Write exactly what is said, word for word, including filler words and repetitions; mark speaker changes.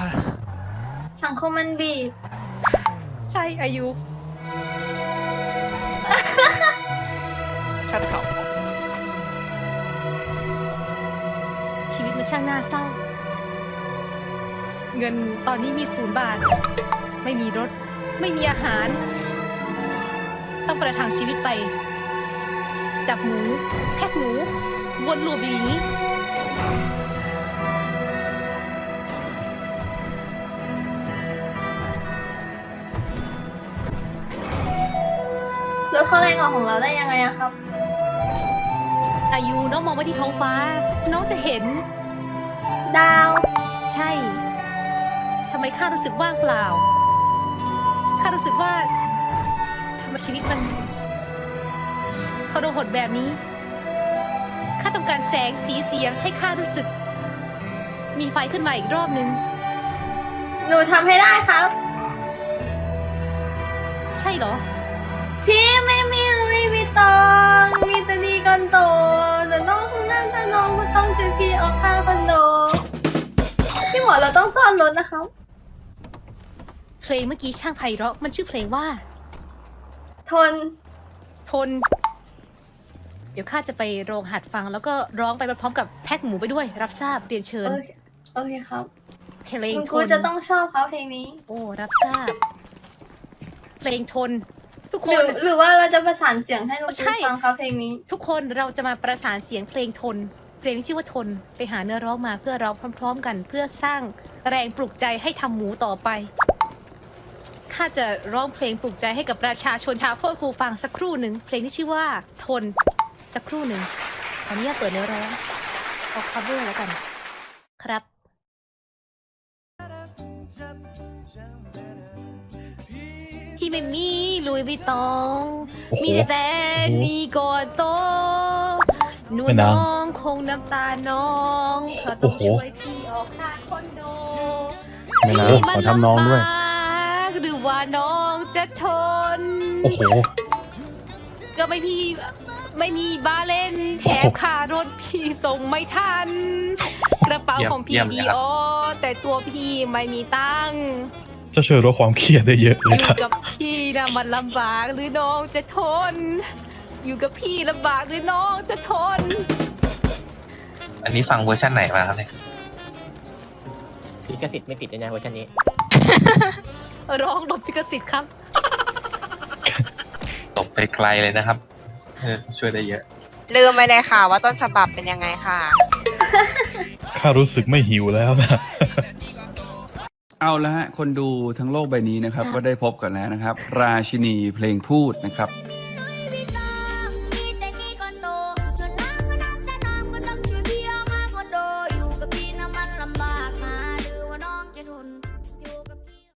Speaker 1: ค่ะ
Speaker 2: สังคมมันบีบ
Speaker 3: ใช่อายุ
Speaker 1: ขั้นเขา
Speaker 3: ชีวิตมันช่างน่าเศร้าเงินตอนนี้มีศูนย์บาทไม่มีรถไม่มีอาหารต้องประทังชีวิตไปจับหมูแพ็กหมูวนลูปอย่างนี้
Speaker 2: แล้วเขาแรงออกของเราได้ยังไงอะครับ
Speaker 3: อายุน้องมองไปที่ท้องฟ้าน้องจะเห็น
Speaker 2: ดาว
Speaker 3: ใช่ทำไมข้ารู้สึกว่างเปล่าข้ารู้สึกว่าทำไมชีวิตมันทรหดแบบนี้ข้าต้องการแสงสีเสียงให้ข้ารู้สึกมีไฟขึ้นมาอีกรอบนึง
Speaker 2: หนูทำให้ได้ครับ
Speaker 3: ใช่เหรอ
Speaker 2: พี่ไม่มีลุยวิตองมีแต่ดีกันโตจะต้องนั่นแต่น้องก็ต้องช่วยพี่เอาค่าคอนโดพี่หมอเราต้องซ่อนรถนะคะ
Speaker 3: เพลงเมื่อกี้ช่างไพเราะมันชื่อเพลงว่า
Speaker 2: ทน
Speaker 3: ทนเดี๋ยวข้าจะไปโรงหัดฟังแล้วก็ร้องไปพร้อมกับแพ็คหมูไปด้วยรับทราบเรียนเชิญ
Speaker 2: โอเคครับ
Speaker 3: เพลง
Speaker 2: คุณกูจะต้องชอบเขาเพลงนี้
Speaker 3: โอ้รับทราบเพลงทนทุกคน
Speaker 2: หรือว่าเราจะประสานเสียงให้ลุงกูฟังเขาเพลงนี้
Speaker 3: ทุกคนเราจะมาประสานเสียงเพลงทนเพลงที่ชื่อว่าทนไปหาเนื้อร้องมาเพื่อร้องพร้อมๆกันเพื่อสร้างแรงปลุกใจให้ทำหมูต่อไปข้าจะร้องเพลงปลุกใจให้กับประชาชนชาวโคตรภูฟังสักครู่หนึ่งเพลงที่ชื่อว่าทนสักครู่หนึ่งขออนุญาตเปิดเนื้อร้องเอา cover แล้วกันครับที่ไม่มีลุยวิตองมีแต่แต่นี่ก่อนโตหนูน้องคงน้ำตาน้องเขาต้องช่วยพี่ออกค่าคอนโด
Speaker 4: ไม่นะขอทำน้องด้วย
Speaker 3: หรือว่าน้องจะทน
Speaker 4: โอ้โห
Speaker 3: ก็ไม่พี่ไม่มีบาเล่นแถมค่ารถพี่ส่งไม่ทันกระเป๋าของพี่ดีออแต่ตัวพี่ไม่มีตังค์
Speaker 4: จะช่วยลดความเครียดได้เยอะเลยครับ
Speaker 3: อยู่กับพี่นะมันลำบากหรือน้องจะทนอยู่กับพี่ลำบากหรือน้องจะทน
Speaker 1: อันนี้ฟังเวอร์ชันไหนมาครับเนี่ย
Speaker 5: ลิขสิทธิ์ไม่ติดเลยนะเวอร์ชันนี้
Speaker 3: ร้องหลบลิขสิทธิ์ครับ
Speaker 1: ตกไปไกลเลยนะครับช่วยได้เยอะ
Speaker 6: ลืมไปเลยค่ะว่าต้นฉบับเป็นยังไงค่ะ
Speaker 4: ข้ารู้สึกไม่หิวแล้วนะ
Speaker 7: เอาละฮะคนดูทั้งโลกใบนี้นะครับก็ได้พบกันแล้วนะครับราชินีเพลงพูดนะครับ